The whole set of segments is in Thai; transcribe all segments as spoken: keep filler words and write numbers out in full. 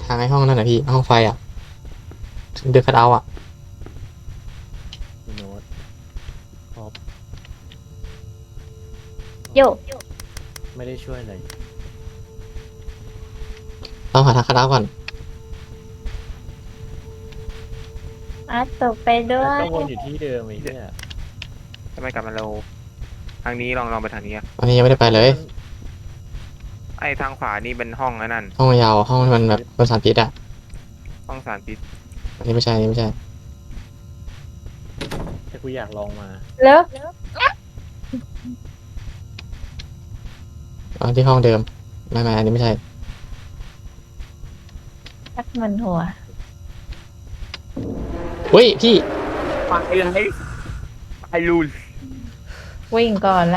ทางไอ้ห้องนั่นนะพี่ห้องไฟอ่ะเดือดคัดเอาอ่ะโน้ตท็อปโยไม่ได้ช่วยเลยต้องหาทางคัดเอาก่อนอาร์ตตกไปด้วก็ยวนอยู่ที่เดิมไอ้เนี่ยทำไมกลับมาเราทางนี้ลองลองไปทางนี้อะวันนี้ยังไม่ได้ไปเลยไอ้ทางขวานี่เป็นห้องไอ้นั่นห้องยาวห้องที่มันแบบบนสารพิษอ่ะห้องสารพิษอันนี้ไม่ใช่อันนี้ไม่ใช่แต่กูอยากลองมาแล้วอันที่ห้องเดิมไม่ไม่อันนี้ไม่ใช่ชักมันหัวเฮ้ยพี่ไปเลยไปลูนวิ่งก่อนละ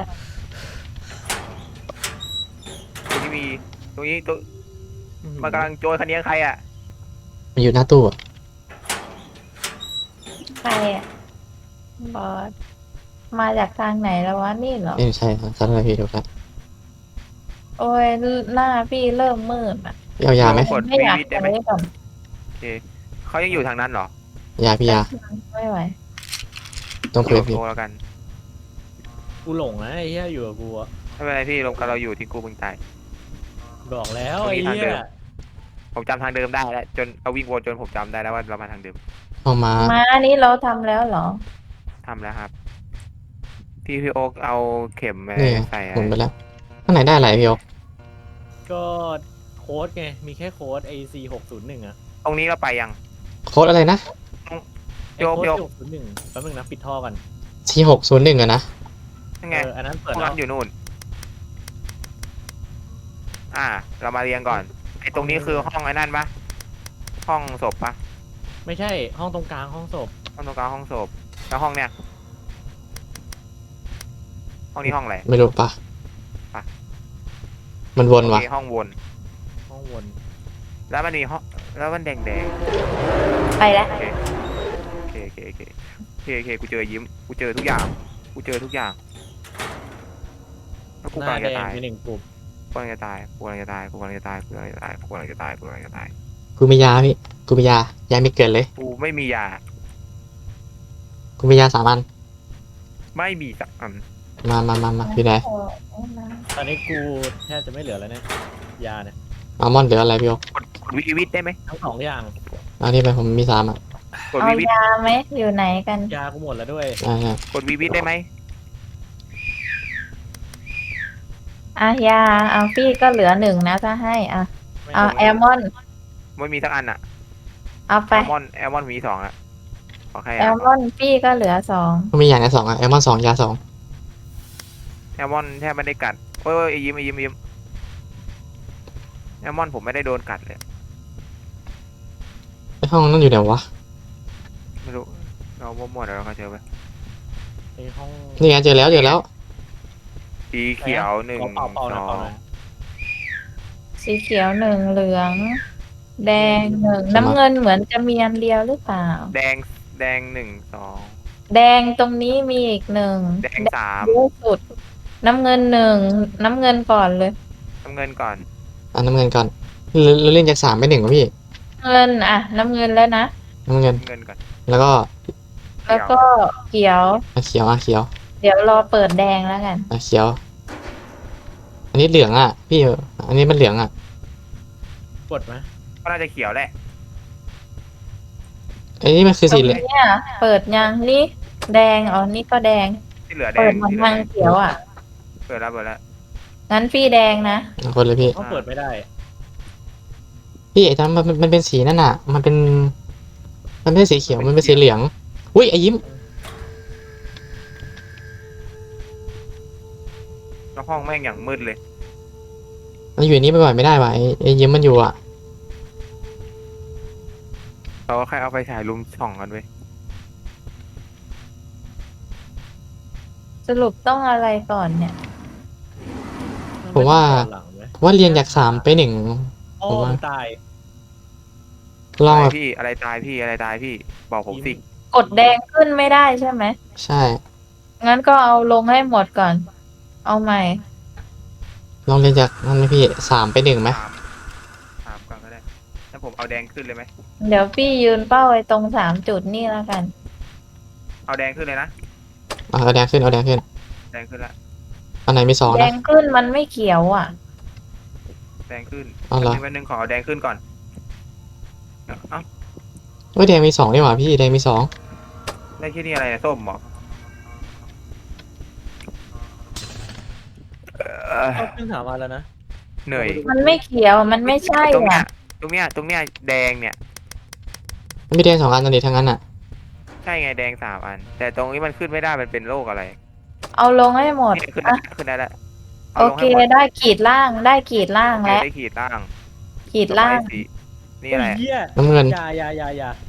ตรงนี้มีตรงนี้ตัวมันกำลังโจรคันนี้ใครอ่ะมันอยู่หน้าตู้อ่ะใครอ่ะบอสมาจากทางไหนแล้ววะนี่เหรอนี่ใช่ครับสัตว์อะไรพี่ถูกแล้วโอ้ยหน้าพี่เริ่มมืดอ่ะพี่เอายาไหมกดไม่วีอยากวิทใช้ได้ไหมก่อนโอเคเขายังอยู่ทางนั้นเหรอยาพี่ยาไม่ไหวต้องโทคุยรกับพี่โทรแล้วกันกูหลงนะไอ้เหี้ยอยู่กับกูอะไม่เป็นไรพี่ลงกับเราอยู่ที่กูเพิ่งตายบอกแล้วตรงไอ้นี้ทางเหี้เดิยม ผมจำทางเดิมได้แล้วจนเอาวิ่งวนจนผมจำได้แล้วว่าเรามาทางเดิมห้องม้ามาอันนี้เราทำแล้วเหรอทำแล้วครับพี่พี่โอ๊กเอาเข็มไปนี่ไงใส่หมุนไปแล้วข้างไหนได้อะไรพี่โอก็โค้ดไงมีแค่โค้ด เอ ซี หกศูนย์หนึ่งอะตรงนี้เราไปยังโค้ดอะไรนะไอ้โยกโค้ดโยกหกศูนย์หนึ่งแป๊บนึงนะปิดท่อกันสี่หกศูนย์หนึ่งอะนะยังไงเอออันนั้นเปิดห้องแล้นั้วนอยู่นู่น อ่า เรามาเรียงก่อน ไอ้ตรงนี้คือห้องไอ้นั่นปะห้องศพปะไม่ใช่ห้องตรงกลางห้องศพห้องตรงกลางห้องศพ แล้วห้องเนี้ย ห้องนี้ห้องอะไรไม่รู้ปะปะมันวนโอว่ะเคห้องวนห้องวนแล้วมันมีห้อง แล้วมันแดงแดงไปแล้วโอเคโอเคโอเคโอเคโอเคโอเคกูเจอยิ้ม กูเจอทุกอย่าง กูเจอทุกอย่าง แล้วกูหกำน้าลังแดจะงตายมีหนึ่งกลุ่มกูกำลังจะตาย กูกำลังจะตาย กูกำลังจะตาย กูกำลังจะตาย กูกำลังจะตาย กูกำลังจะตาย กูกำลังจะตายกูมียาพี่กูมียายาไม่เกินเลยกูไม่มียากูมียาสามอันไม่มีสักอันมามามามาพี่ไหนโอ้ยนะตอนนี้กูแทบจะไม่เหลือแล้วเนี่ยยาเนี่ยอัลมอนด์เหลืออะไรพี่โอกดกดวีวิทได้ไหมทั้งสองอย่างเอานี่ไปผมมีสามอ่ะกดเอาวีวิทยาไหมอยู่ไหนกันยากูหมดแล้วด้วยอ่ากดวีวิทได้ไหมอ่ะยาเอาพี่ก็เหลือหนึ่งนะถ้าให้อ่ะไม่เอารู้แอลมอนไม่มีสักอันอะเอาไปแอลมอนแอลมอนมีสองอะขอแค่แอลมอนพี่ก็เหลือสองก็มีอย่างละสองอ่ะอัลมอนด์สองยาสองแอลมอนแทบไม่ได้กัดโอ้ยโอ้ยไอ้ยิ้มไอ้ยิ้มไอ้ยิ้มแอลมอนผมไม่ได้โดนกัดเลยไอห้องนั่นอยู่ไหนวะไม่รู้เรามั่วๆเดี๋ยวเราก็เจอไปไอ้ห้องนี่ไงเจอแล้วเจอแล้วสีเขียวหนึ่งขอเป่าเป่าหสน่อยอเป่าง หน่อยสีเขียวหนึ่งเหลือง แดงหนึ่งน้ำเงินเหมือนจะมีอันเดียวหรือเปล่าแดงแดงหนึ่งสองแดงตรงนี้มีอีกหนึ่งแดงสามเยอะสุด น้ำเงินหนึ่งน้ำเงินก่อนเลยน้ำเงินก่อนอ่ะน้ำเงินก่อนเราเราเล่นจากสามไปหนึ่งวะพี่เงินอ่ะ น้ำเงินแล้วนะน้ำเงินน้ำเงินก่อนแล้วก็แล้วก็เขียวอ่ะเขียวอ่ะเขียวเดี๋ยวรอเปิดแดงแล้วกันอ่ะเขียว อันนี้เหลืองอ่ะ พี่อันนี้มันเหลืองอ่ะกดไหมก็น่าจะเขียวแหละอันนี้มันคือตรสีงเหลืองเนี้ยเปิดยังนี่แดงอ๋อนี่ก็แดงที่เหลือแดเปิดงเหมือนที่เหลืทาอง แดงเขียวอ่ะเปิดแล้วเปิดแล้วงั้นพี่แดงนะอ่ะคนเลยพี่เขาเปิดไม่ได้พี่ไอ้ตอนมันมันมันเป็นสีนั่นอ่ะ มันเป็น มันไม่ใช่สีเขียว มันเป็นสีเหลือง อุ้ยไอ้ยิ้มแล้วห้องแม่งอย่างมืดเลยมันอยู่ในนี้บ่อยๆไม่ได้ว่ะไอ้ไอ้ยิ้มมันอยู่อ่ะเราก็แค่เอาไฟฉายลุมส่องกันเว้ยสรุปต้องอะไรก่อนเนี่ยผมว่าหลังไหมว่าเรียนจากสามไปหนึ่งโอ้ผมว่าตายลองอะไรแบบพี่อะไรตายพี่อะไรตายพี่บอกผมสิกดแดงขึ้นไม่ได้ใช่ไหมใช่งั้นก็เอาลงให้หมดก่อน เอาใหม่ลองเรียนจากนั่นไหมพี่สามไปหนึ่งไหมสามสามก่อนก็ได้แล้วผมเอาแดงขึ้นเลยไหมเดี๋ยวพี่ยืนเป้าไว้ตรงสามจุดนี่แล้วกันเอาแดงขึ้นเลยนะเอาเอาแดงขึ้นเอาแดงขึ้นแดงขึ้นละอันไหนมีสองแดนะงขึ้นมันไม่เขียวอ่ะแดงขึ้นเอาเหรอวันหนึ่งขอเอาแดงขึ้นก่อนเอ้าเฮ้ยแดงมีสองนี่หว่าพี่แดงมีสองได้แค่นี้อะไรนะส้มเหรอเอ่อเอาขึ้นสามวันแล้วนะเหนื่อยมันไม่เขียวมันไม่ใช่ตรงเนี้ยอ่ะตรงเนี้ยตรงเนี้ยแดงเนี่ยมันมีแดงสองอันตอนนี้ทั้งนั้นอ่ะใช่ไงแดงสามอัน แต่ตรงนี้มันขึ้นไม่ได้มันเป็นโรคอะไรเอาลงให้หมดนี่ขึ้นได้อ่ะขึ้นได้แล้วโอเคได้ขีดล่างได้ขีดล่างโอเคแล้วได้ขีดล่างขีดล่างต่อไปสีนี่อะไรโยเหี้ยน้ำเงินอย่าอย่าอย่าอย่า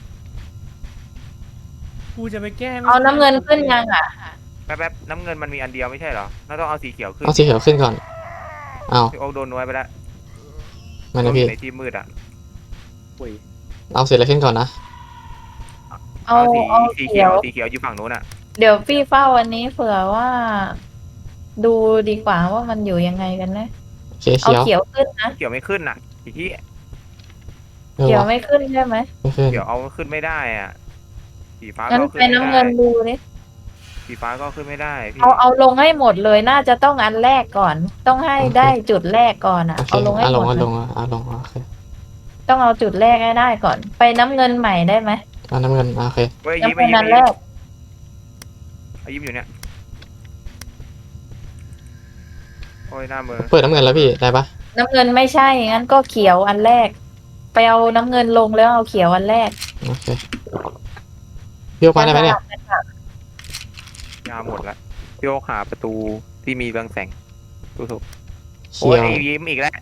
กูจะไปแก้ไม่เอาน้ำเงินขึ้นยังอ่ะแป๊บๆน้ำเงินมันมีอันเดียวไม่ใช่เหรอเราต้องเอาสีเขียวขึ้นเอาสีเขียวขึ้นก่อนเอาพี่โอ๊คโดนน้อยไปแล้วมันโดนะนอพี่ยู่ในที่มืดอ่ะปุ๋ยเอาสีอะไรขึ้นก่อนนะเอาสีเอาสีเขีเขียยว วสีเขียวอยู่ฝั่งนู้นอ่ะเดี๋ยวพี่เฝ้าวันนี้เผื่อว่า ดูดีกว่าว่ามันอยู่ยังไงกันนะโอเคเอาเขียวเขียวขึ้นนะเขียวไม่ขึ้นอ่ะสีที่เออเขียววะไม่ขึ้นใช่ไหมไม่ขึ้นเขียวเอาขึ้นไม่ได้อ่ะสีฟ้างั้นก็ไปขึ้นไม่น้ำได้เงินดูดิสีฟ้าก็ขึ้นไม่ได้พี่เอาเอาลงให้หมดเลยน่าจะต้องอันแรกก่อน ต้องให้ได้จุดแรกก่อนอ่ะโอเคเอาลงให้เอาหลมงดเอาลเลยงเอาลงโอเคต้องเอาจุดแรกให้ได้ก่อน ไปน้ำเงินใหม่ได้ไหมเอาน้ำเงินอ่ะโอเคเว้ยยิ้มน้ำไปเงินยิ้มอันแรกเอายิ้มอยู่เนี่ยโอ้ยหน้ามือเปิดน้ำเงินแล้วพี่ได้ปะน้ำเงินไม่ใช่ งั้นก็เขียวอันแรก ไปเอาน้ำเงินลงแล้วเอาเขียวอันแรกโอเคพี่โอ๊คมาได้ไหมเนี่ยยาหมดละพี่โอ๊คหาประตูที่มีเรืองแสงดูถูกเขีโอ้ยยวไอ้ยิ้มอีกแล้ว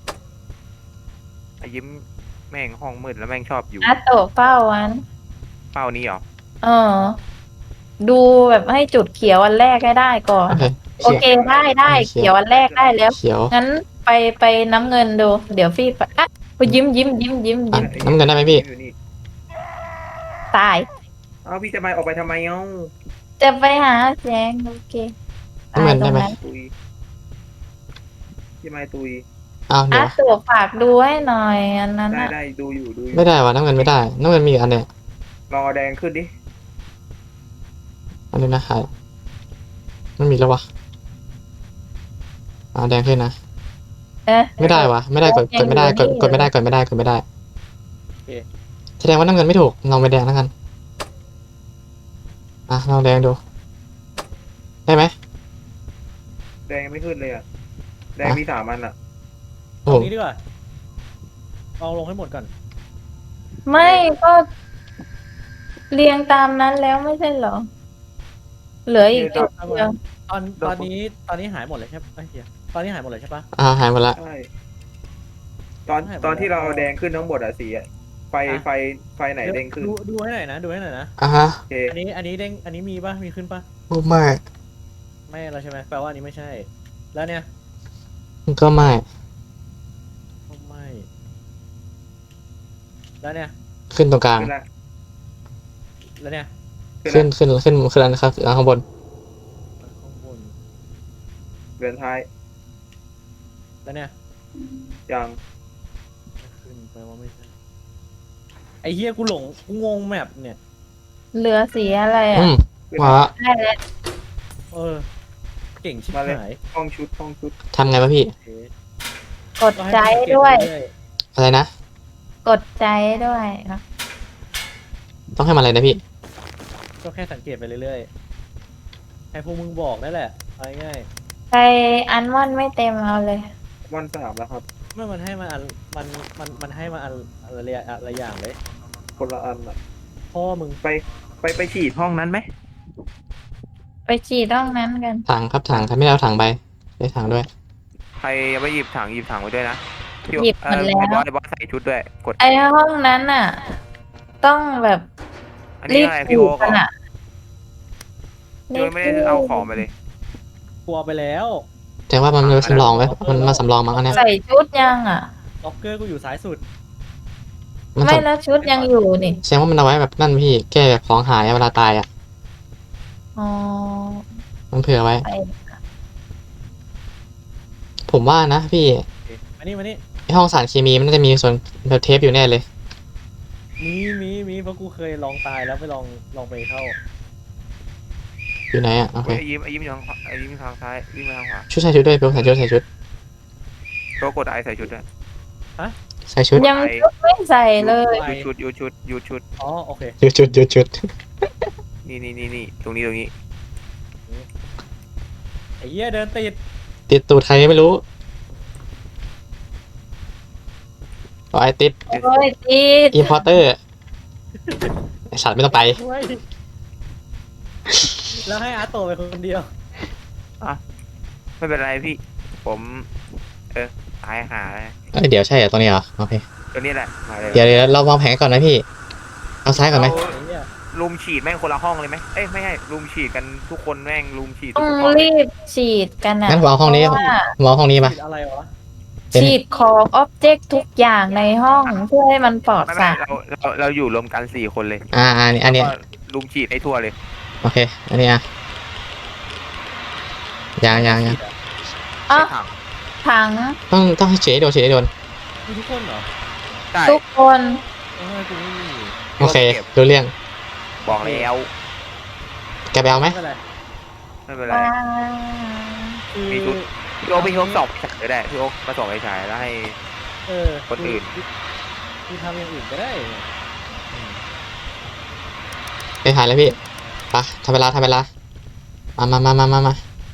ไอ้ยิ้มแม่งห้องมืดแล้วแม่งชอบอยู่อาโตะเฝ้าวันเป้านี้เหรอเออ ดูแบบให้จุดเขียวอันแรกให้ได้ก่อนโอเคโอเคได้ได้เขียวอันแรกได้แล้วเขียวงั้นไปไปน้ำเงินดู เดี๋ยวพี่ไปอ่ะไปยิ้มยิ้มยิ้มยิ้มอ่ะยิ้มน้ำเงินได้ไหมพี่อยู่นี่ตายเอาพี่จะมาออกไปทำไมเอ้าจะไปหาแสงโอเคน้ำเงินได้ไหมตายตรงตุยพี่ไม้ตุยเอาเดี๋อ่ะยวตัวฝากดูให้หน่อยอันนั้นได้อ่ะได้ดูอยู่ดูอยู่ไม่ได้วะน้ำเงินไม่ได้น้ำเงินมีอีกอันเนี่ยลองเอาแดงขึ้นดิอันนี้นะหายไม่มีแล้ววะเอาแดงขึ้นนะเอ๊ะไม่ได้วะไม่ได้กดกดไม่ได้กดกดไม่ได้กดไม่ได้กดไม่ได้แสดงว่าน้ำเงินไม่ถูกลองไปแดงแล้วกันอ่ะลองแดงดูได้ไหมแดงไม่ขึ้นเลยอ่ะแดงมีสามอันอ่ะโอ้ตโหรงนี้ดีกว่าเอาลงให้หมดก่อนไม่ก็เรียงตามนั้นแล้วไม่ใช่เหรอ เหลืออีกจุดเดียวตอนตอนนี้ตอนนี้หายหมดเลยใช่ปะไอ้เหี้ยตอนนี้หายหมดเลยใช่ปะอ่าหายหมดละใช่ตอนให้ผมตอนที่เราเอาแดงขึ้นทั้งหมดอ่ะสีอะไฟไฟไฟไหนเด้งขึ้นดูดูให้หน่อยนะดูให้หน่อยนะอ่ะฮะโอเคอันนี้อันนี้เด้งอันนี้มีปะมีขึ้นปะโอ้ไม่ไม่แล้วใช่ไหมแปลว่าอันนี้ไม่ใช่ แล้วเนี่ยก็ไม่ก็ไม่ แล้วเนี่ยขึ้นตรงกลางขึ้นละแล้วเนี่ยขึ้นขึ้นขึ้นขึ้นอันครับอันข้างบนข้างบนเรือนท้ายแล้วเนี่ยยังไม่ขึ้นแปลว่าไม่ใช่ไอ้เฮียกูหลงกูงงแมปเนี่ยเหลือสีอะไรอ่ะอืมขึ้นว้าละได้แล้วเออ เก่งชิบมาเลยหายห้องชุดห้องชุดทำไงวะพี่โอเคกดก็ให้ใจมันเก็บด้วยเรื่ออะไรนะกดใจด้วยนะต้องให้มันอะไรนะพี่ๆก็แค่สังเกตไปเรื่อยๆให้พวกมึงบอกนั่นแหละเอาง่ายใครอันม่อนไม่เต็มเอาเลยวันสามแล้วครับๆไม่มันให้มาอันมันมันมันให้มาอันอะไรอะไรอย่างเลยคนละอันอ่ะพ่อมึงไปไปไปฉีดห้องนั้นไหมไปฉีดห้องนั้นกันถังครับถังถ้าไม่ได้เอาถังไปได้ถังด้วยใครยังไม่หยิบถังหยิบถังไว้ด้วยนะพี่หยิบเอหมอดแล้วไอ้บอสไอ้บอสใส่ชุดด้วย กดไอห้องนั้นน่ะ ต้องแบบอันรีนี้บอะไรฉีพี่ดโอ๊กกันเหรออ่ะโดยไม่ได้เอาของไปเลยกลัวไปแล้วแต่ว่ามันมันสำรองไว้มันมาสำรองมั้งอันเนี้ยใส่ชุดยังอ่ะล็อกเกอร์กูอยู่ซ้ายสุดมันไม่สำแล้วชุดยังอยู่นี่แสดงว่ามันเอาไว้แบบนั่นพี่แก้แบบของหายเวลาตายอ่ะอ๋อมันเผื่อไว้ไปผมว่านะพี่โอเคมานี่มานี่ไอห้องสารเคมีมันน่าจะมีส่วนแบบเทปอยู่แน่เลยมีมีมีเพราะกูเคยลองตายแล้วไปลองลองไปเข้าอยู่ไหนอ่ะโอเคไอ้ยิ้มไอ้ยิ้มอยู่ทางขวาไอ้ยิ้มอยู่ทางซ้ายวิ่งมาทางขวาชุดใส่ชุดด้วยเบลใส่ชุดใส่ชุดตัวกดไอใส่ชุดด้วยใส่ชุดยังชุดไม่ใส่เลยยูชุดยูชุดยูชุดอ๋อโอเคหยุดชุดหยุดชุดนี่นี่นี่นี่ตรงนี้ตรงนี้ไอ้เหี้ยเดินติดติดตูดใครไม่รู้เอาไอติดโอ้ยติดอินพอร์เตอร์ไอสัตว์ไม่ต้องไปช่วยแล้วให้อาร์ตโตไปคนเดียวไม่เป็นไรพี่ ผม เออตายหาเลยเอ้ยเดี๋ยวใช่เหรอตรงนี้เหรอโอเคตัวนี้แหละมาเลยเดี๋ยวเดี๋ยวเราวางแผนก่อนนะพี่เอาซ้ายก่อนไหมเราไอ้เหี้ยลุมฉีดแม่งคนละห้องเลยไหมเอ้ยไม่ใช่ลุมฉีดกันทุกคนแม่งลุมฉีดต้ทุอก งห้องเลยรีบฉีดกันนะงั้นผมเอาห้องนี้เพราะว่าผมเอาห้องนี้มาติดอะไรวะเป็นฉีดของอ็อบเจกต์ทุกอย่างในห้องเพื่อให้มันปลอดไม่สาไม่รเราเราเราอยู่รวมกันสี่คนเลยอ่าอันนี้อันนี้แล้วก็ลุมฉีดให้ทั่วเลยโอเค อันนี้อ่ะยังยังยังอ๋อใช่ถังถังต้องต้องให้เฉยโดนเฉยโดนมีทุกคนเหรอใช่ทุกคนเออกูไม่มีโอเคก็บรู้เรื่องบอกแล้วแกไปเอาไหมไม่เป็นไรไม่เป็นไรว้าคือมีชุด พี่โอ๊คพี่โอ๊คส่องไฟฉายก็ได้พี่โอ๊คมาส่องไฟฉายแล้วให้เออคนอื่นคือทำอย่างอื่นก็ได้อืมไปถ่ายแล้วพี่ไปทำเวลาทำเวลามามามามามามา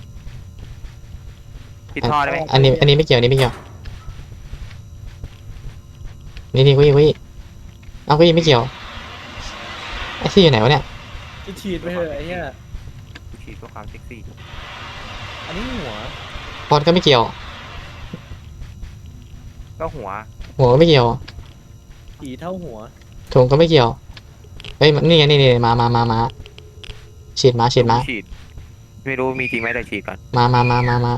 ปิดท่อได้ไหมอันนี้อันนี้ไม่เกี่ยวอันนี้ไม่เกี่ยวนี่นี่กุ้ยกุ้ยเอากุ้ยไม่เกี่ยวไอ้ที่อยู่ไหนวะเนี่ยจะฉีดไปเถอะไอ้เหี้ยฉีดเพื่อความเซ็กซี่อันนี้หัวพอดก็ไม่เกี่ยวก็หัวหัวก็ไม่เกี่ยวผีเท่าหัวถุงก็ไม่เกี่ยวเฮ้ยมันนี่ไงนี่นี่มามามามาฉีดมาฉีดมาฉีด ไม่รู้มีจริงไหมแต่ฉีดก่อนมามามามามา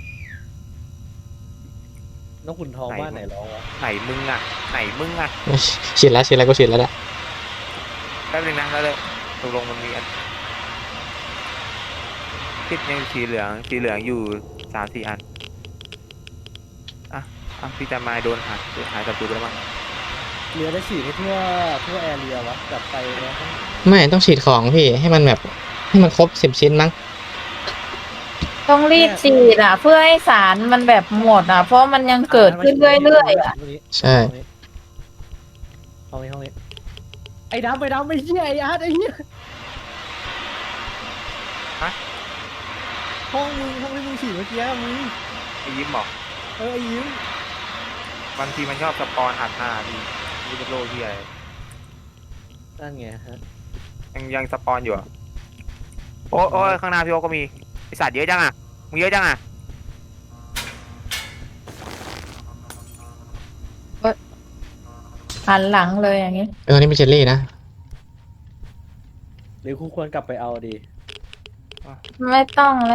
นกขุนทองไหนบ้านไหนร้องวะไหนมึงอ่ะ ไหนมึงอ่ะฉีดแล้วฉีดแล้วก็ฉีดแล้วแหละแป๊บนึงนะแล้วเลยตกลงมันมีอันคิดยังสีเหลืองสีเหลืองอยู่สามสี่อันอ่ะอ่ะพี่จะมาโดนหักหายศัตรูไปแล้วมั้งเรือได้ฉีดให้ทั่วทั่วแอร์เรียวะกลับไปแล้วข้างหลังไม่ต้องฉีดของพี่ให้มันแบบให้มันครบสิบชิ้นมั้งต้องรีบฉีดอ่ะ เพื่อให้สารมันแบบหมดอ่ะ เพราะมันยังเกิดขึ้นเรื่อยๆอ่ะห้งนี้ใช่ห้องนี้ห้องนี้ไอ้ดำไอ้ดำไอ้เหี้ยไอ้อาร์ตไอ้เหี้ยห้องมึงห้องที่มึงฉีดเมื่อกี้มึงไอ้ยิ้มบอกเออไอ้ยิ้มบางทีมันชอบสปอนอัดหน้าพี่นี่เป็นโรคที่อะไรนั่นไงฮะยังยังสปอนอยู่เหรอโอ้โอ้ยข้างหน้าพี่โอ๊คก็มีไอสัตว์เยอะจังอ่ะมึงเยอะจังอ่ะหันหลังเลยอย่างนี้เออนี่เป็นเจลลี่นะหรือกูควรกลับไปเอาดีไม่ต้องแล้ว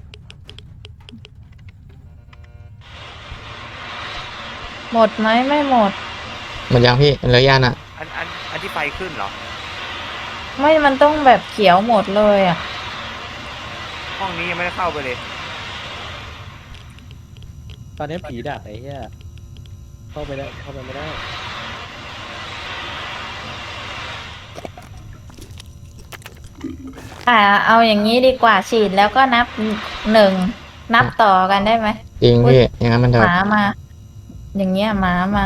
หมดไหมไม่หมดหมันยังพี่เหลือยานอ่ะอันอันอันที่ไฟขึ้นเหรอไม่มันต้องแบบเขียวหมดเลยอ่ะห้องนี้ยังไม่ได้เข้าไปเลยตอนนี้ผีดักไอ้เหี้ยเข้าไปได้เข้าไปไม่ได้อ่า เอาอย่างนี้ดีกว่าฉีดแล้วก็นับหนึ่งนับต่อกันได้ไหมจริงพี่อย่างนั้นมันหจะมามา อย่างเงี้ยหมามา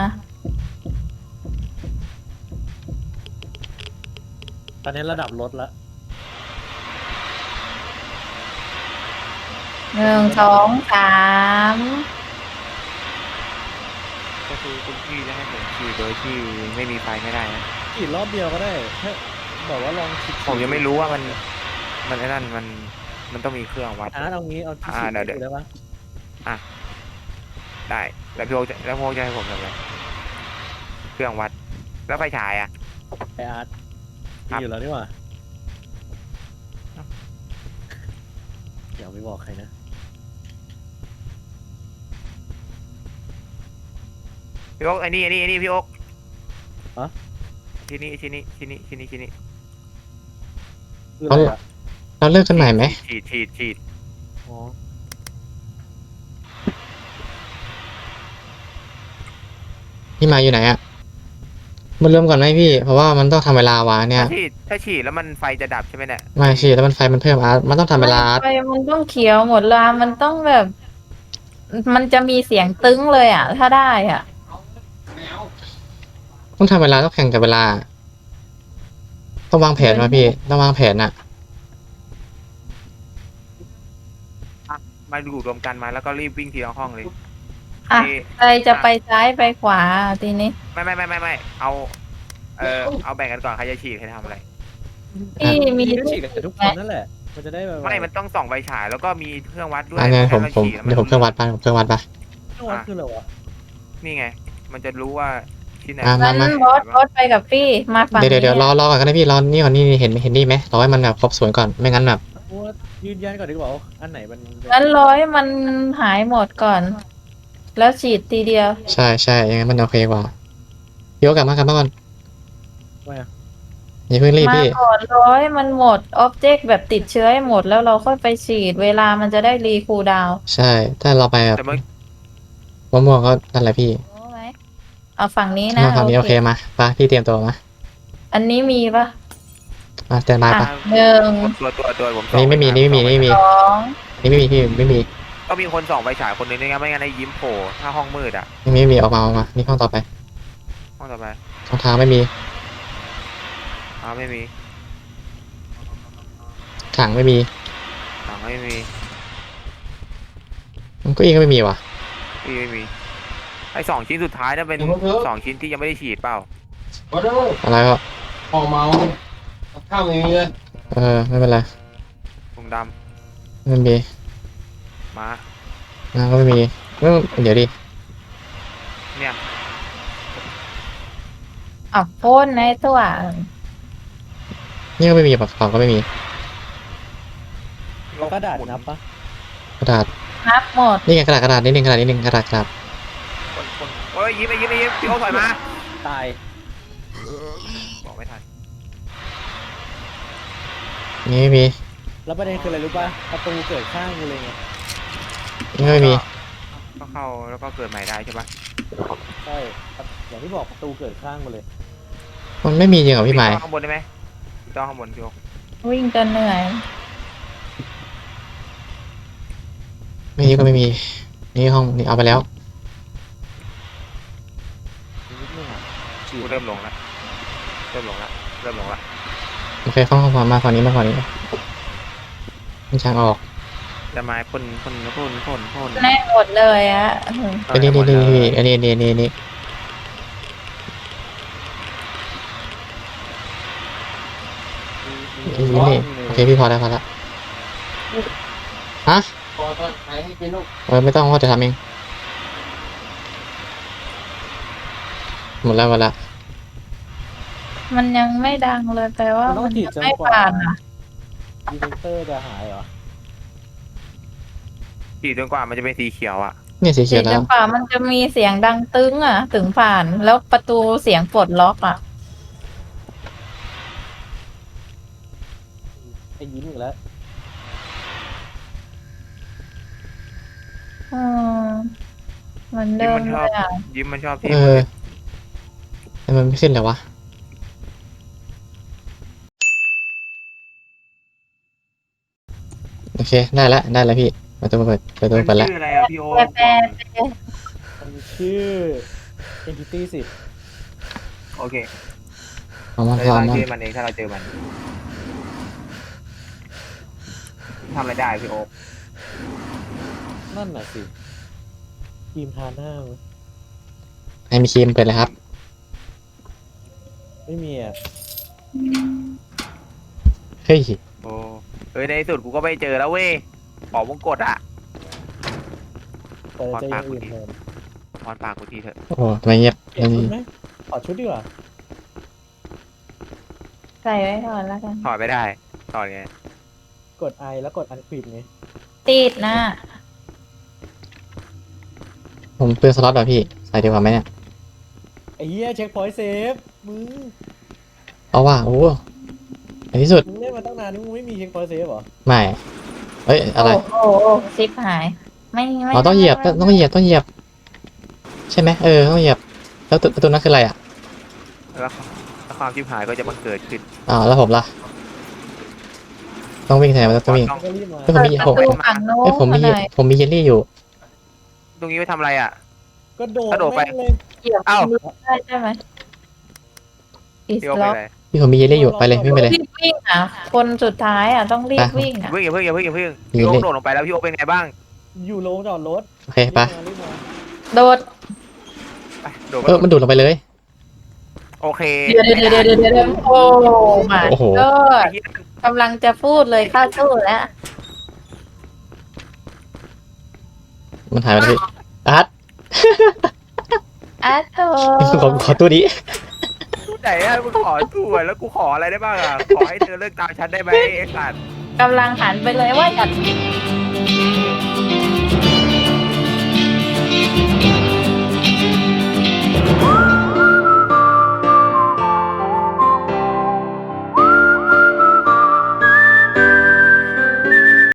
ตอนนี้ระดับลดละหนึ่งสองสามก็คือคุณพี่จะให้ผมขี่โดยที่ไม่มีไฟไม่ได้นะฉีดรอบเดียวก็ได้แค่บอกว่าลองฉีดผมยังไม่รู้ว่ามันมันไอ้นั่นมันมันต้องมีเครื่องวัดอาร์ตเอางี้เอาที่อ่าฉีดเดี๋ยวได้ปะได้แล้วพี่โอ๊คจะแล้วพี่โอ๊คจะให้ผมทำอะไรเครื่องวัด แล้วไฟฉายอ่ะไออาร์ตครับมีอยู่แล้วนี่หว่าอย่าไปบอกใครนะพี่โอ๊คไอ้นี่ไอ้นี่ไอ้นี่พี่โอ๊คฮะชิ้นนี้ชิ้นนี้ชิ้นนี้ชิ้นนี้ชิ้นนี้คืออะไรอ่ะเราเลิกกันใหม่ไหมฉีดฉีดฉีดอ๋อพี่มาอยู่ไหนอะมันเริ่มก่อนไหมพี่ เพราะว่ามันต้องทำเวลาวะเนี่ยถ้าฉีดถ้าฉีดแล้วมันไฟจะดับใช่ไหมเนี่ยไม่สิแล้วมันไฟมันเพิ่มอาร์ตมันต้องทำเวลาอาร์ตไฟมันต้องเขียวหมดเวลามันต้องแบบ มันจะมีเสียงตึ้งเลยอ่ะ ถ้าได้อ่ะต้องทำเวลาต้องแข่งกับเวลา ต้องวางแผนมาพี่ต้องวางแผนอะมาอยู่รวมกันมาแล้วก็รีบวิ่งทีละห้องเลยอ่ะไอ้ใครจะไปซ้ายไปขวาทีนี้ไม่ไม่ไม่ไม่ไม่เอาเออเอาแบ่งกันก่อนใครจะฉีดใครจะทำอะไรพี่มีมีก็ฉีดกับทุกคนนั่นแหละ มันจะได้แบบไม่มันต้องส่องไฟฉายแล้วก็มีเครื่องวัดด้วยอันนี้ผมให้ผมฉีแล้วเดี๋ยวผมเครื่องวัดไปผมเครื่องวัดไปต้องวัดคืออะไรวะนี่ไง มันจะรู้ว่าชิ้นไหนอ่ะงั้นบอสบอสไปกับพี่มาฝั่งเดี๋ยวนี้เดี๋ยวเดี๋ยวรอรอก่อนก็ได้พี่รอนี่ก่อนนี่เห็นเห็นนี่ไหมรอให้มันแบบครบสวนก่อนไม่งั้นแบบกูว่ายืนยันก่อนดีกว่าว่าอันไหนมันงั้นร้อยมันหายหมดก่อน แล้วฉีดทีเดียวใช่ใช่ยังไงมันโอเคกว่าพี่โอกลับมากลับมาก่อนไม่อะอย่าเพิ่งรีบมาพี่ก่อนร้อยมันหมดออบเจกต์แบบติดเชื้อให้หมดแล้วเราค่อยไปฉีดเวลามันจะได้รีคูลดาวน์ใช่ถ้าเราไปแบบแต่เมื่อม่วงๆก็นั่นแหละพี่รู้ไหมเอาฝั่งนี้นะมาฝั่งนี้โอเคมาไปพี่เตรียมตัวมาอันนี้มีปะมาแตนบายอ่ะปะหนึ่งตัวตัวตัวผมอันนี้ไม่มีนี่ไม่มีนี่ไม่มีสองนี่ไม่มีพี่ไม่มีก็มีคนส่องไฟฉายคนหนึงด้วยไงไม่งั้นไอ้ยิ้มโผล่ถ้าห้องมืดอ่ะนี่ไม่มีออกมาออกมานี่ห้องต่อไปห้องต่อไปช่องทางไม่มีอ้าวไม่มีถังไม่มีถังไม่มีมันก็อีกก็ไม่มีว่ะพี่ไม่มีไอ้สองชิ้นสุดท้ายนั่นเป็นสองชิ้นที่ยังไม่ได้ฉีดเปล่ามาเด้ออะไรก็พอเมากับข้าวไม่มีเลยเออไม่เป็นไรถุงดไม่มีำมานะก็ไม่มีเอ้ยเดี๋ยวดิเนี่ยอ่ะโพ่นในตัวนี่ก็ไม่มีปากกระเป๋าก็ไม่มีเรากระดาษนับปะกระดาษนับหมดนี่ไงกระดาษกระดาษนิดนึงกระดาษนิดนึงกระดาษกระดาษคนคนโอ้ยยิ้มไปยิ้มไปยิ้มพี่โอ๊ตถอยมาตายบอกไม่ทันนี่ไม่มีแล้วประเด็นคืออะไรรู้ป่ะประตูเกิดข้างกูเลยไงนี่ก็ไม่มีก็เข้าแล้วก็เกิดใหม่ได้ใช่ปะใช่อย่างที่บอกประตูเกิดข้างกูเลยมันไม่มีจริงเหรอพี่หมายปิดข้างบนได้ไหมปิดข้างบนพี่โอ๊ตวิ่งจนเหนื่อยไม่มีก็ไม่มี นี่ห้องนี่เอาไปแล้วนิดนึงอ่ะฉีกูดเริ่มลงแล้วเริ่มลงแล้วเริ่มลงแล้วโอเคห้องความมาฝั่งนี้มาฝั่งนี้มันช่างออกจะมาพ่นพ่นพ่นพ่นพ่นแน่หมดเลยอะอืมอันนี้นี่นี่นี่อันนี้นี่นี่นี่มีมีนี่นี่โอเคพี่พอแล้วพอแล้วฮะพอตอนไหนให้กินลูกเออไม่ต้องว่าจะทำเองหมดแล้วหมดแล้วมันยังไม่ดังเลยแปลว่ามันต้อมังนฉีดจะจนไม่กว่าผ่านอ่ะดีเฟนเตอร์จะหายเหรอฉีดจนกว่ามันจะเป็นสีเขียวอ่ะเนี่ยสีเขีฉียดวจแล้วนกว่ามันจะมีเสียงดังตึ้งอ่ะ ถึงผ่าน แล้วประตูเสียงปลดล็อกอ่ะไอ้ยิ้มอีกแล้วอืมเหมันเดิมเลยอ่ะยิ้มมันชอบเอที่อแต่มันไม่ขึ้นเลยวะโอเคได้แล้วได้แล้วพี่ประตูเปิดประตูมันเปิดแล้วชื่ออะไรอ่ะพี่โอ๊ตแปลแปลมันชื่อ Entity สิบโอเคเอามันเราพร้อมตั้งมันชื่อมันเองถ้าเราเจอมันทำอะไรได้พี่โอ๊ตนั่นน่ะสิครีมทาหน้ามั้ยให้มีครีมเปิดเลยครับไม่มีอ่ะเฮ้ยโอ้เฮ้ยในที่สุดกูก็ไม่เจอแล้วเว้ยปอกวงกดอ่ะแต่จะอยังอื่นแทนพอนปากกูทีเถอะโอ้ทำไมเงียบเปลี่ยนชุดไหมถอดชุดดีกว่าใส่ไว้ก่อนแล้วกันถอดไม่ได้ถอดไงกด I แล้วกด uncrypt ไงติดนะผมเปลืองสล็อตเหรอพี่ใส่ดีกว่าไหมเนี่ยไอ้เหี้ยเช็คพอยต์เซฟมึงเอาว่าโอ้ในที่สุดมึงเล่นมาตั้งนานนี่มึงไม่มีเช็คพอยต์เซฟเหรอไม่เอ้ยอะไรโอ้โหโอ้ซิปหาย ไม่ไม่อ๋อต้องเหยียบต้องต้องเหยียบต้องเหยียบ ใช่ไหมเออต้องเหยียบไปแล้วตัวตัวนั้นคืออะไรอ่ะแล้วแล้วความชิบหายก็จะบังเกิดขึ้นอ้าวแล้วผมล่ะต้องวิ่งแทนต้องวิ่งต้องก็รีบมาเฮ้ยผมมีเปิดผมประตูฝั่งโน้เฮ้ยผมมีนหน่อยผมมีเยลลี่อยู่ตรงนี้ไปทำอะไรอ่ะก็โดดกระโดดไปแม่งเลยเหยียบเอ้ามือได้ใช่ไหมอีสพี่โอ๊คไปล็อกไหนพี่ผมมีเยลลี่อยู่ไปเลยวิ่งไปเลยรีบวิ่งอ่ะ คนสุดท้ายอ่ะต้องรีบวิ่งอ่ะอย่าเพิ่งอย่าเพิ่งอย่าเพิ่งอย่าเพิ่งมีพี่โอ๊เลคขโดดลงไปแล้วพี่โอ๊คเป็นไงบ้างอยู่โรงจอดรถโอเคไปรีบมารีบมาโดดไปโดดเออมันดูดลงไปเลยโอเคเดี๋ยวเดี๋ยวเดี๋ยวเดี๋ยวเดี๋ยวโอ้มาโอ้โหก็ไอ้เหี้ยกำลังจะพูดเลยเข้าสู้แล้วมันหายไปแล้วพี่อาร์ตอาโตขอขอตัวนี้ตู้ไหนอ่ะมึงขอตู้อะแล้วกูขออะไรได้บ้างอ่ะขอให้เธอเลิกตามฉันได้ไหมไอ้สัตว์กำลังหันไปเลยว่าอยาก